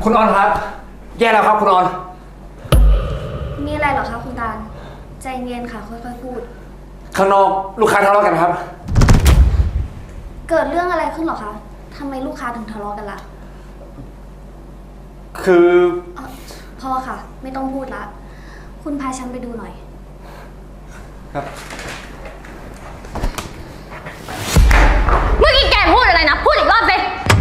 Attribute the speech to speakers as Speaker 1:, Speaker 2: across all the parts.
Speaker 1: คุณออนครับ แย่แล้วครับคุณออน
Speaker 2: มีอะไรเหรอคะคุณตาลใจเย็นค่ะค่อยๆพูด
Speaker 1: ข้างนอกลูกค้าทะเลาะกันครับ
Speaker 2: เกิดเรื่องอะไรขึ้นเหรอคะทำไมลูกค้าถึงทะเลาะกันล่ะ
Speaker 1: คือ
Speaker 2: พอค่ะ ไม่ต้องพูดละ คุณพาฉันไปดูหน่อย
Speaker 1: ครับ
Speaker 3: เมื่อกี้แกพูดอะไรนะ พูดอีกรอบสิ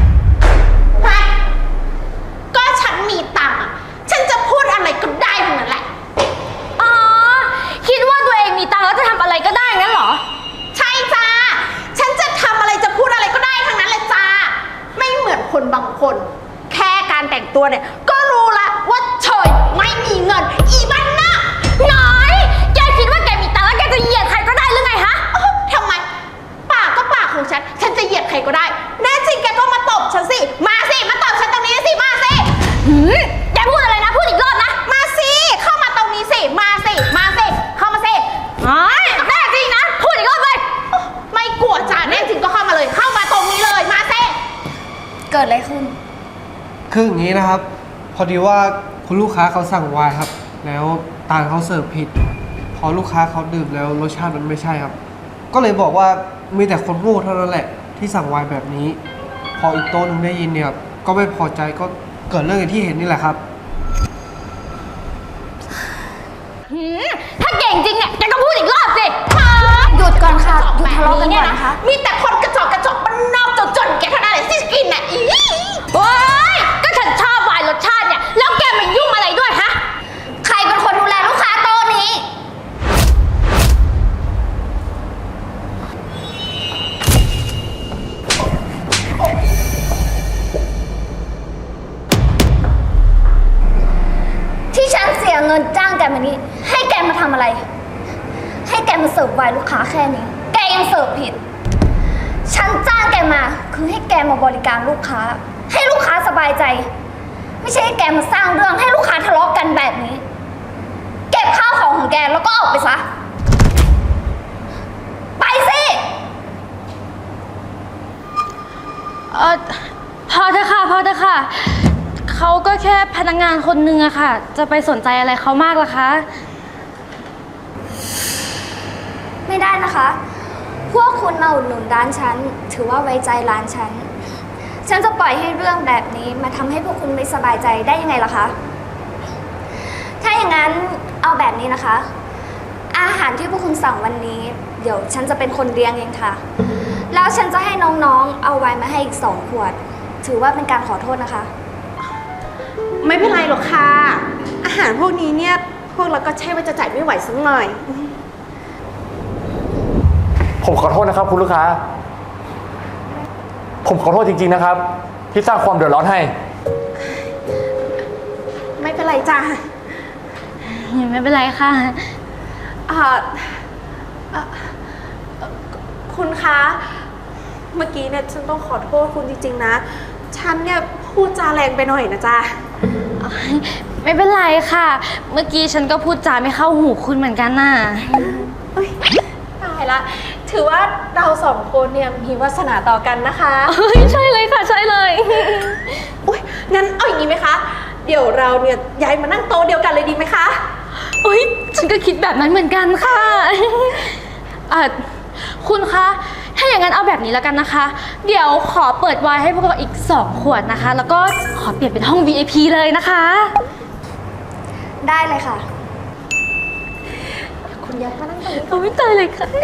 Speaker 4: ก็ฉันมีตังค์อะฉันจะพูดอะไรก็ได้ทั้งนั้นแหละ
Speaker 3: อ๋อ คิดว่าตัวเองมีตังค์แล้วจะทำอะไรก็ได้งั้นเหรอ
Speaker 4: ใช่จ้า ฉันจะทำอะไรจะพูดอะไรก็ได้ทั้งนั้นเลยจ้า ไม่เหมือนคนบางคน แค่การแต่งตัวเนี่ย ก็รู้ละว่าเฉยไม่มีเงิน อีบ้านหน้า
Speaker 3: น้อย แกคิดว่าแกมีตังค์แล้วแกจะเหยียดใครก็ได้หรือไงฮะ
Speaker 4: ทำไม ปากก็ปากของฉัน ฉันจะเหยียดใครก็ได้ แน่จริงแกก็มาตบฉันสิ มาสิ มาตบฉันตรงนี้สิ มาสิ
Speaker 3: แกพูดอะไรนะ พูดอีกรอบนะ
Speaker 4: มาสิ เข้ามาตรงนี้สิ มาสิ มาสิ เข้ามาสิ
Speaker 3: อ๋อแน่จริงนะ พูดอีกรอบเลย
Speaker 4: ไม่กลัวจ้าแน่จริงก็เข้ามาเลย เข้ามาตรงนี้เลย มาสิ
Speaker 2: เกิดอะไรขึ้น
Speaker 5: คืออย่างนี้นะครับ พอดีว่าคุณลูกค้าเขาสั่งไวน์ครับ แล้วตาลเขาเสิร์ฟผิด พอลูกค้าเขาดื่มแล้วรสชาติมันไม่ใช่ครับ ก็เลยบอกว่ามีแต่คนโง่เท่านั้นแหละที่สั่งไวน์แบบนี้ พออีกโต๊ะหนึงได้ยินเนี่ยก็ไม่พอใจก็เกิดเรื่องอย่างที่เห็นนี่แหละครับ
Speaker 3: ถ้าเก่งจริงเนี่ยแกก็พูดอีกรอบสิ
Speaker 2: หยุดก่อนค่ะ หยุดทะเลาะกันก่อนนะคะ
Speaker 4: มีแต่คนกระจอกกระจอกบ้านนอกจนๆแกเท่านั้นแหละที่กินน่ะอี
Speaker 3: โอ๊ย ก็ฉันชอบไวน์รสชาติเนี่ย แล้วแกมายุ่งอะไรด้วยฮะ
Speaker 2: ใครเป็นคนดูแลลูกค้าโต๊ะนี้ ที่ฉันเสียเงินจ้างแกมานี้ให้แกมาทำอะไร ให้แกมาเสิร์ฟไวน์ลูกค้าแค่นี้ แกยังเสิร์ฟผิด ฉันจ้างแกมาคือให้แกมาบริการลูกค้า ให้ลูกค้าสบายใจ ไม่ใช่ให้แกมาสร้างเรื่องให้ลูกค้าทะเลาะกันแบบนี้ เก็บข้าวของของแกแล้วก็ออกไปซะ ไปสิ
Speaker 3: พอเถอะค่ะ พอเถอะค่ะ เขาก็แค่พนักงานคนหนึ่งอะค่ะ จะไปสนใจอะไรเขามากล่ะคะ
Speaker 2: ไม่ได้นะคะ พวกคุณมาอุดหนุนร้านฉัน ถือว่าไว้ใจร้านฉัน ฉันจะปล่อยให้เรื่องแบบนี้มาทำให้พวกคุณไม่สบายใจได้ยังไงล่ะคะ ถ้าอย่างนั้นเอาแบบนี้นะคะ อาหารที่พวกคุณสั่งวันนี้ เดี๋ยวฉันจะเป็นคนเลี้ยงเองค่ะ แล้วฉันจะให้น้องๆ เอาไวน์มาให้อีก2 ขวด ถือว่าเป็นการขอโทษนะคะ
Speaker 4: ไม่เป็นไรหรอกค่ะ อาหารพวกนี้เนี่ย พวกเราก็ใช่ว่าจะจ่ายไม่ไหวสักหน่อย
Speaker 1: ผมขอโทษนะครับคุณลูกค้า ผมขอโทษจริงๆนะครับ ที่สร้างความเดือดร้อนให้
Speaker 4: ไม่เป็นไรจ้า
Speaker 3: ไม่เป็นไรค่ะ
Speaker 4: อ่าอ่ะคุณคะ เมื่อกี้เนี่ยฉันต้องขอโทษคุณจริงๆนะ ฉันเนี่ยพูดจาแรงไปหน่อยนะจ๊ะ
Speaker 3: ไม่เป็นไรค่ะ เมื่อกี้ฉันก็พูดจาไม่เข้าหูคุณเหมือนกันน่ะ
Speaker 4: เอ้ยตายละ ถือว่าเราสองคนเนี่ยมีวาสนาต่อกันนะคะ
Speaker 3: เฮ้ยใช่เลยค่ะ ใช่เลย
Speaker 4: อุ้ยงั้นเอาอย่างนี้ไหมคะ เดี๋ยวเราเนี่ยย้ายมานั่งโต๊ะเดียวกันเลยดีไหมคะ
Speaker 3: โอ๊ยฉันก็คิดแบบนั้นเหมือนกันค่ะ คุณคะ ถ้าอย่างนั้นเอาแบบนี้แล้วกันนะคะ เดี๋ยวขอเปิดไวน์ให้พวกเราอีก2 ขวดนะคะ แล้วก็ขอเปลี่ยนเป็นห้อง VIP เลยนะคะ
Speaker 2: ได้เลยค่ะ
Speaker 4: คุณย้ายมานั่งตรงนี้
Speaker 3: โอ้ยตายเลยค่ะ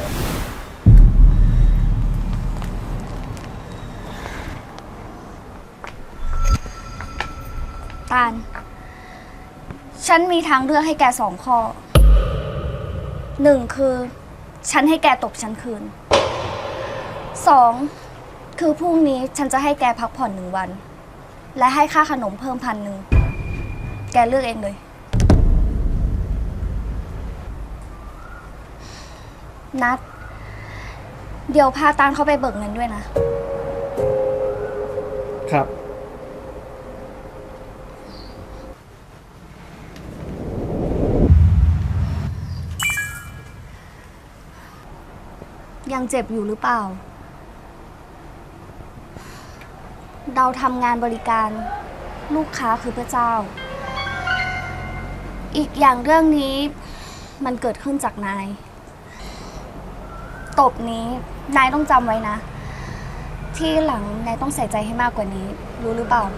Speaker 2: ตาล ฉันมีทางเลือกให้แก2 ข้อ 1 คือ ฉันให้แกตบฉันคืน 2 คือพรุ่งนี้ฉันจะให้แกพักผ่อน1 วัน และให้ค่าขนมเพิ่ม1,000 แกเลือกเองเลย นัด เดี๋ยวพาตาลเข้าไปเบิกเงินด้วยนะ
Speaker 5: ครับ
Speaker 2: ยังเจ็บอยู่หรือเปล่า เราทำงานบริการลูกค้าคือพระเจ้า อีกอย่างเรื่องนี้มันเกิดขึ้นจากนาย ตบนี้นายต้องจำไว้นะ ที่หลังนายต้องใส่ใจให้มากกว่านี้ รู้หรือเปล่า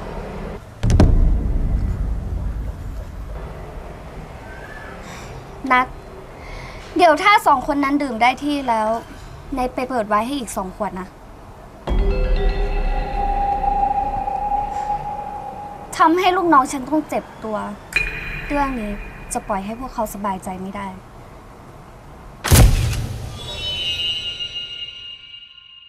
Speaker 2: นัด เดี๋ยวถ้าสองคนนั้นดื่มได้ที่แล้วนายไปเปิดไว้ให้อีก2 ขวดนะทำให้ลูกน้องฉันต้องเจ็บตัว เรื่องนี้จะปล่อยให้พวกเขาสบายใจไม่ได้